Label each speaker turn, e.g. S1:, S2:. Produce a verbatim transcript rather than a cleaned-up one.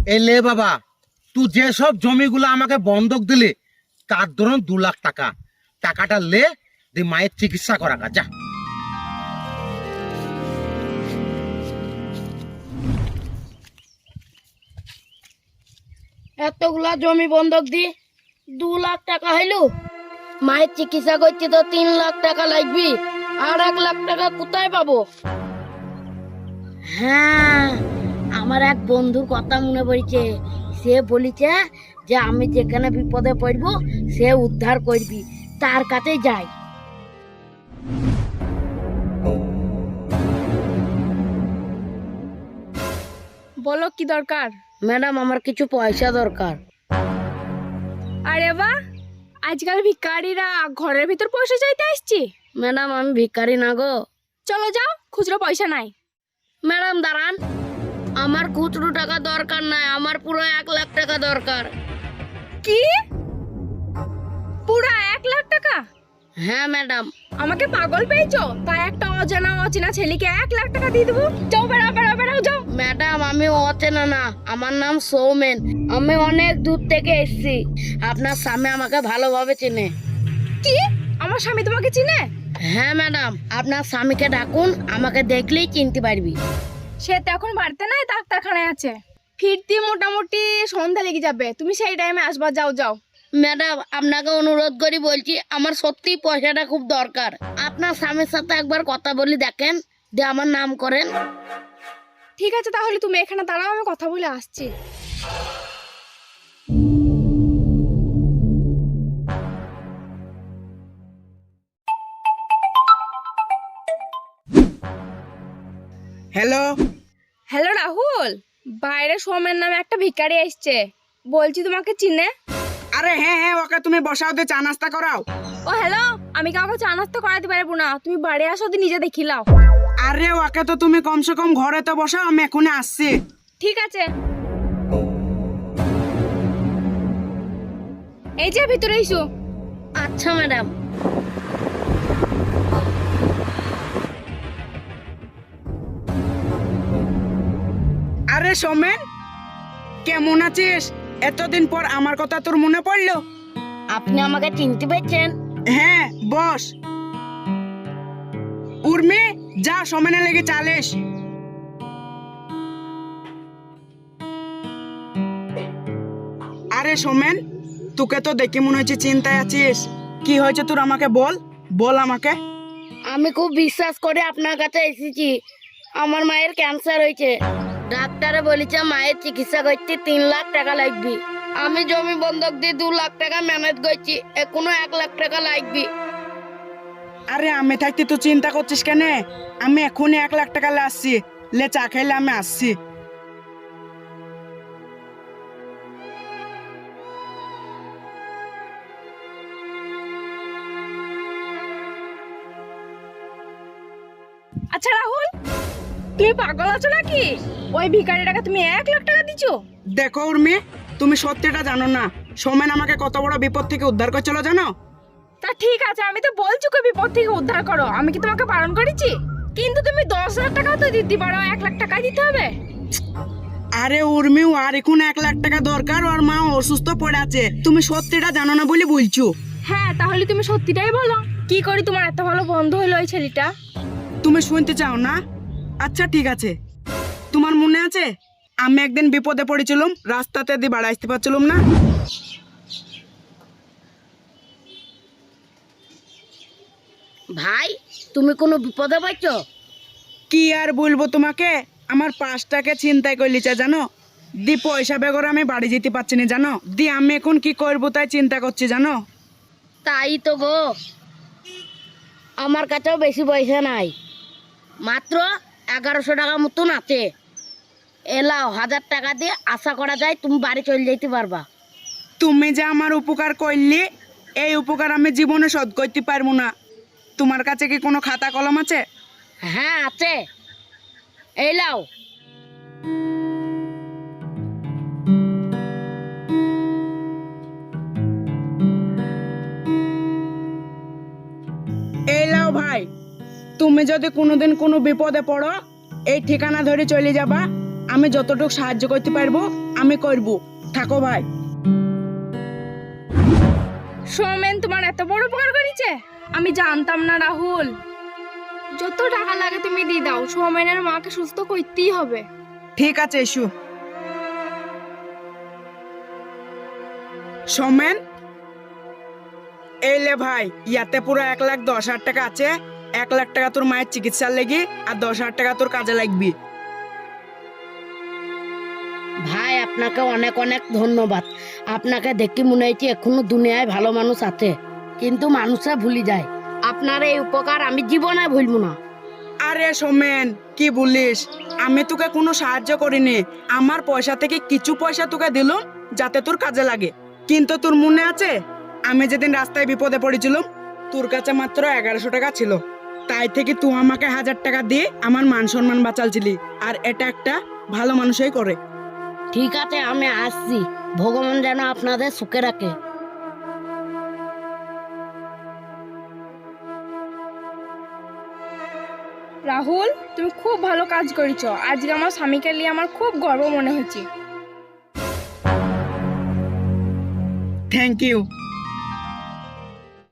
S1: এলে বাবা, তুই যেসব জমিগুলো আমাকে বন্ধক দিলে তার ধরুন দু লাখ টাকা, টাকাটা লে দিয়ে মায়ের চিকিৎসা করা গা, যা।
S2: এতগুলা জমি বন্ধক দি দু লাখ টাকা হইলো, মায়ের চিকিৎসা করতে তো তিন লাখ টাকা লাগবে, আর এক লাখ টাকা কোথায় পাবো? হ্যাঁ, আমার এক বন্ধুর কথা মনে পড়ছে। সে বলিছে যে আমি যেখানে বিপদে পড়বো সে উদ্ধার করবি, তার কাছে যাই।
S3: বলো কি দরকার?
S2: ম্যাডাম, আমার কিছু পয়সা দরকার।
S3: আরে বাহ, আজকাল ভিখারিরা ঘরের ভিতর পয়সা চাইতে আসছে।
S2: ম্যাডাম, আমি ভিখারি না গো।
S3: চলো যাও, খুচরো পয়সা নাই।
S2: ম্যাডাম দাঁড়ান, আমার খুচরো টাকা দরকার নাই, আমার পুরো এক লাখ টাকা দরকার।
S3: কি? পুরা এক লাখ টাকা?
S2: হ্যাঁ ম্যাডাম।
S3: আমাকে পাগল পেয়েছো? তাই একটা অজানা অচেনা ছেলেকে এক লাখ টাকা দিয়ে দেবো? যাও, বেড়াও বেড়াও বেড়াও, যাও।
S2: ম্যাডাম, আমি অচেনা না, আমার নাম সৌমেন, আমি অনেক দূর থেকে এসেছি। আপনার স্বামী আমাকে ভালোভাবে চেনে।
S3: কি? আমার স্বামী তোমাকে চিনে?
S2: হ্যাঁ ম্যাডাম, আপনার স্বামীকে ডাকুন, আমাকে দেখলেই চিনতে পারবি।
S3: সে তো এখন বাড়িতে নাই, ডাক্তারখানায় আছে। ফিরতে মোটামুটি সন্ধ্যা লেগে যাবে, তুমি সেই টাইমে আসবা। যাও যাও।
S2: ম্যাডাম, আপনাকে অনুরোধ করি বলছি, আমার সত্যি পয়সাটা খুব দরকার। আপনার স্বামীর সাথে একবার কথা বলি দেখেন, দিয়ে আমার নাম করেন।
S3: ঠিক আছে, তাহলে তুমি এখানে দাঁড়াও, আমি কথা বলে আসছি।
S4: হ্যালো।
S3: হ্যালো রাহুল, বাইরে সোমের নামে একটা ভিখারি এসছে, বলছি তোমাকে চিনে।
S4: আরে হ্যাঁ হ্যাঁ, ওকে তুমি বসাও, দিয়ে চা নাস্তা করাও।
S3: ও হ্যালো, আমি কাউকে চা নাস্তা করাতে পারবো না, তুমি বাড়ি আসো, দিয়ে নিজে দেখিলাও।
S4: আরে ওকে তো তুমি কমসে কম ঘরে তো বসাও, আমি এখনই আসছি।
S3: ঠিক আছে, এই যে ভিতরে এসো।
S2: আচ্ছা ম্যাডাম।
S4: আরে সোমেন, কেমন আছিস? এতদিন পর আমার কথা তোর মনে পড়লো?
S2: আপনি আমাকে চিনতে পেরেছেন?
S4: হ্যাঁ, বস। উর্মি, যা সোমেনের লেগে চালিস। আরে সোমেন, তোকে তো দেখে মনে হচ্ছে চিন্তায় আছিস। কি হয়েছে তোর, আমাকে বল, বল আমাকে।
S2: আমি খুব বিশ্বাস করে আপনার কাছে এসেছি। আমার মায়ের ক্যান্সার হয়েছে, ডাক্তারে বলেছে মায়ের চিকিৎসা করতে তিন লাখ টাকা লাগবে। আমি জমি বন্ধক দিয়ে দু লাখ টাকা ম্যানেজ করছি, এখনো এক লাখ টাকা লাগবে।
S4: আরে আমি থাকতে তুই চিন্তা করছিস কেন? আমি এখনই এক লাখ টাকা লে আসছি, লে চা খাইলে আমি আসছি।
S3: আচ্ছা রাহুল, তুমি পাগল আছো নাকি? ওই ভিখারিটাকে তুমি এক লাখ টাকা দিছো?
S4: দেখো উর্মি, তুমি সত্যিটা জানো না, সোমেন আমাকে কত বড় বিপদ থেকে উদ্ধার করছিল জানো?
S3: তা ঠিক আছে, আমি তো বলছি কই বিপদ থেকে উদ্ধার করো, আমি কি তোমাকে বারণ করেছি? কিন্তু তুমি দশ হাজার টাকাও তো দিতে পারো, এক লাখ টাকা দিতে হবে।
S4: আরে উর্মি, আর এখন এক লাখ টাকা দরকার, ওর মা অসুস্থ পড়ে আছে, তুমি সত্যিটা জানো না বলে বলছো।
S3: হ্যাঁ, তাহলে তুমি সত্যিটাই বলো, কি করি তোমার এত ভালো বন্ধু হলো ওই ছেলেটা?
S4: তুমি শুনতে চাও না? আচ্ছা ঠিক আছে, তোমার মনে আছে আমি একদিন বিপদে পড়েছিলাম, রাস্তাতে দিয়ে বাড়ি আসতে পারছিলাম না?
S2: ভাই, তুমি কোনো বিপদে পাইছো?
S4: কি আর বলবো তোমাকে, আমার পাঁচটাকে চিন্তায় করলিছে জানো, দি পয়সা বেগর আমি বাড়ি যেতে পারছি না জানো, দি আমি এখন কি করবো তাই চিন্তা করছি জানো।
S2: তাই তো গো, আমার কাছেও বেশি পয়সা নাই, মাত্র এগারোশো টাকা মতন আছে। এলাও, হাজার টাকা দিয়ে আশা করা যায় তুমি বাড়ি চলে যেতে পারবা।
S4: তুমি যে আমার উপকার করলি, এই উপকার আমি জীবনে শোধ করতে পারবো না। তোমার কাছে কি কোনো খাতা কলম আছে?
S2: হ্যাঁ আছে, এই লাও।
S4: এই লাও ভাই, তুমি যদি কোনোদিন কোনো বিপদে পড়ো, এই ঠিকানা ধরে চলে যাবা, আমি যতটুকু সাহায্য করতে পারবো আমি করব। থাকো ভাই।
S3: সৌমেন তোমার এত বড় উপকার করেছে আমি জানতাম না রাহুল। যত টাকা লাগে তুমি দিয়ে দাও, সৌমেনের মাকে সুস্থ করতেই হবে।
S4: ঠিক আছে ইস্যু। সৌমেন, এই লে ভাই, ইয়াতে পুরো এক লাখ দশ হাজার টাকা আছে। এক লাখ টাকা তোর মায়ের চিকিৎসার লেগে আর দশ হাজার টাকা তোর কাজে লাগবি।
S2: ভাই আপনাকে অনেক অনেক ধন্যবাদ। আপনাকে দেখি মনে হয়েছে এখনো দুনিয়ায় ভালো মানুষ আছে, কিন্তু মানুষরা ভুলে যায়। আপনার এই উপকার আমি জীবনে ভুলবো না।
S4: আরে সৌমেন, কি বলিস? আমি তোকে কোনো সাহায্য করিনি। আমার পয়সা থেকে কিছু পয়সা তোকে দিলাম যাতে তোর কাজে লাগে। কিন্তু তোর মনে আছে আমি যেদিন রাস্তায় বিপদে পড়েছিলাম, তোর কাছে মাত্র এগারোশো টাকা ছিল। তাই থেকে তুই আমাকে হাজার টাকা দিয়ে আমার মান সম্মান বাঁচালছিলি। আর এটা একটা ভালো মানুষই করে।
S2: ঠিক আছে, আমি আসছি। ভগবান যেন আপনাদের সুখে রাখে।
S3: রাহুল, তুমি খুব ভালো কাজ করেছো। আজকে আমার স্বামীকে নিয়ে আমার খুব গর্ব মনে হচ্ছে।
S4: Thank you.